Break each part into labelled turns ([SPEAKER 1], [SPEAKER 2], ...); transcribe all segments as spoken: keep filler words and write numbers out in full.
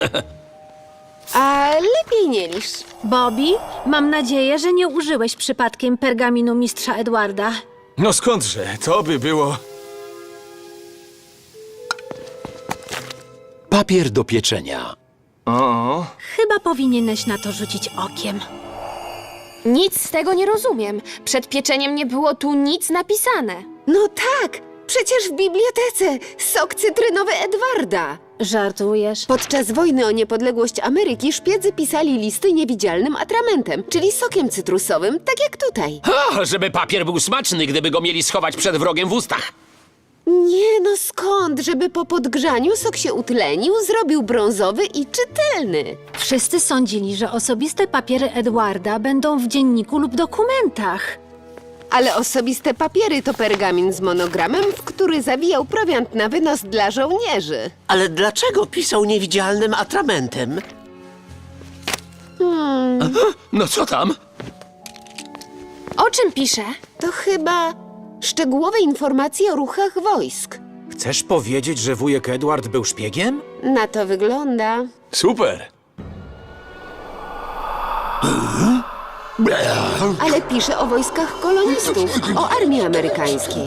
[SPEAKER 1] A lepiej nie licz.
[SPEAKER 2] Bobby, mam nadzieję, że nie użyłeś przypadkiem pergaminu mistrza Edwarda.
[SPEAKER 3] No skądże, to by było...
[SPEAKER 4] Papier do pieczenia.
[SPEAKER 3] O,
[SPEAKER 2] Chyba powinieneś na to rzucić okiem.
[SPEAKER 5] Nic z tego nie rozumiem. Przed pieczeniem nie było tu nic napisane.
[SPEAKER 1] No tak, przecież w bibliotece sok cytrynowy Edwarda.
[SPEAKER 2] Żartujesz?
[SPEAKER 1] Podczas wojny o niepodległość Ameryki szpiedzy pisali listy niewidzialnym atramentem, czyli sokiem cytrusowym, tak jak tutaj.
[SPEAKER 6] O, żeby papier był smaczny, gdyby go mieli schować przed wrogiem w ustach.
[SPEAKER 1] Nie no skąd, żeby po podgrzaniu sok się utlenił, zrobił brązowy i czytelny.
[SPEAKER 2] Wszyscy sądzili, że osobiste papiery Edwarda będą w dzienniku lub dokumentach.
[SPEAKER 1] Ale osobiste papiery to pergamin z monogramem, w który zawijał prowiant na wynos dla żołnierzy.
[SPEAKER 7] Ale dlaczego pisał niewidzialnym atramentem?
[SPEAKER 6] No co tam?
[SPEAKER 5] O czym pisze?
[SPEAKER 1] To chyba szczegółowe informacje o ruchach wojsk.
[SPEAKER 3] chcesz powiedzieć, że wujek Edward był szpiegiem?
[SPEAKER 1] Na to wygląda.
[SPEAKER 3] Super!
[SPEAKER 1] Ale pisze o wojskach kolonistów, o armii amerykańskiej.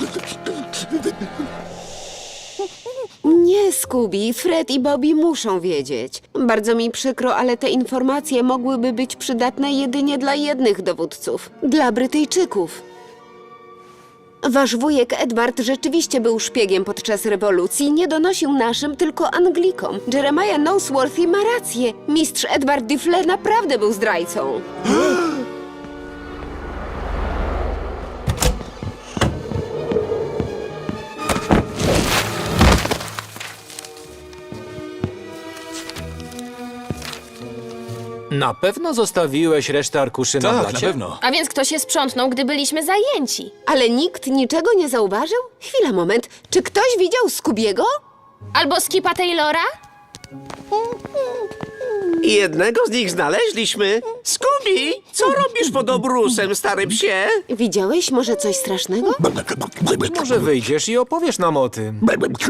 [SPEAKER 1] Nie, Scooby, Fred i Bobby muszą wiedzieć. Bardzo mi przykro, ale te informacje mogłyby być przydatne jedynie dla jednych dowódców. Dla Brytyjczyków. Wasz wujek Edward rzeczywiście był szpiegiem podczas rewolucji. Nie donosił naszym, tylko Anglikom. Jeremiah Nosworthy ma rację. Mistrz Edward Diffle naprawdę był zdrajcą.
[SPEAKER 8] Na pewno zostawiłeś resztę arkuszy na
[SPEAKER 3] Tak, na
[SPEAKER 8] blacie?
[SPEAKER 3] pewno.
[SPEAKER 5] A więc kto się sprzątnął, gdy byliśmy zajęci?
[SPEAKER 1] Ale nikt niczego nie zauważył? Chwila, moment. Czy ktoś widział Scoobiego?
[SPEAKER 5] Albo Skipa Taylora?
[SPEAKER 7] Jednego z nich znaleźliśmy. Scooby, co robisz pod obrusem, stary psie?
[SPEAKER 1] Widziałeś może coś strasznego?
[SPEAKER 8] Może wyjdziesz i opowiesz nam o tym.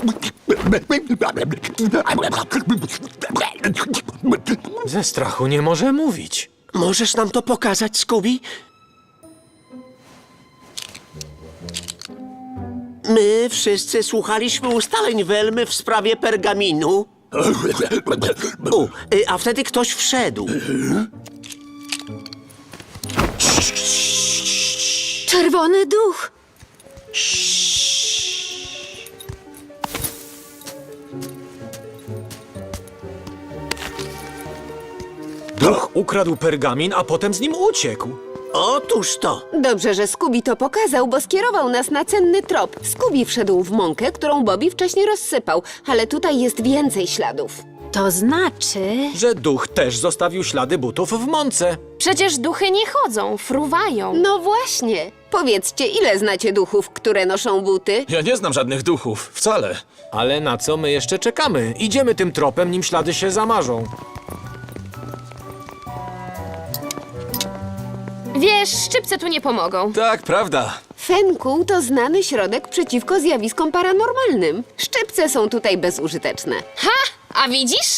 [SPEAKER 8] Ze strachu nie może mówić.
[SPEAKER 7] Możesz nam to pokazać, Scooby? My wszyscy słuchaliśmy ustaleń Welmy w sprawie pergaminu. U, y, a wtedy ktoś wszedł.
[SPEAKER 2] Czerwony duch!
[SPEAKER 3] Duch ukradł pergamin, a potem z nim uciekł.
[SPEAKER 7] Otóż to.
[SPEAKER 1] Dobrze, że Scooby to pokazał, bo skierował nas na cenny trop. Scooby wszedł w mąkę, którą Bobby wcześniej rozsypał, ale tutaj jest więcej śladów.
[SPEAKER 2] To znaczy...
[SPEAKER 3] Że duch też zostawił ślady butów w mące.
[SPEAKER 5] Przecież duchy nie chodzą, fruwają.
[SPEAKER 1] No właśnie. Powiedzcie, ile znacie duchów, które noszą buty?
[SPEAKER 3] Ja nie znam żadnych duchów, wcale.
[SPEAKER 8] Ale na co my jeszcze czekamy? Idziemy tym tropem, nim ślady się zamarzą.
[SPEAKER 5] Wiesz, szczypce tu nie pomogą.
[SPEAKER 3] Tak, prawda.
[SPEAKER 1] Fenkuł to znany środek przeciwko zjawiskom paranormalnym. Szczypce są tutaj bezużyteczne.
[SPEAKER 5] Ha! A widzisz?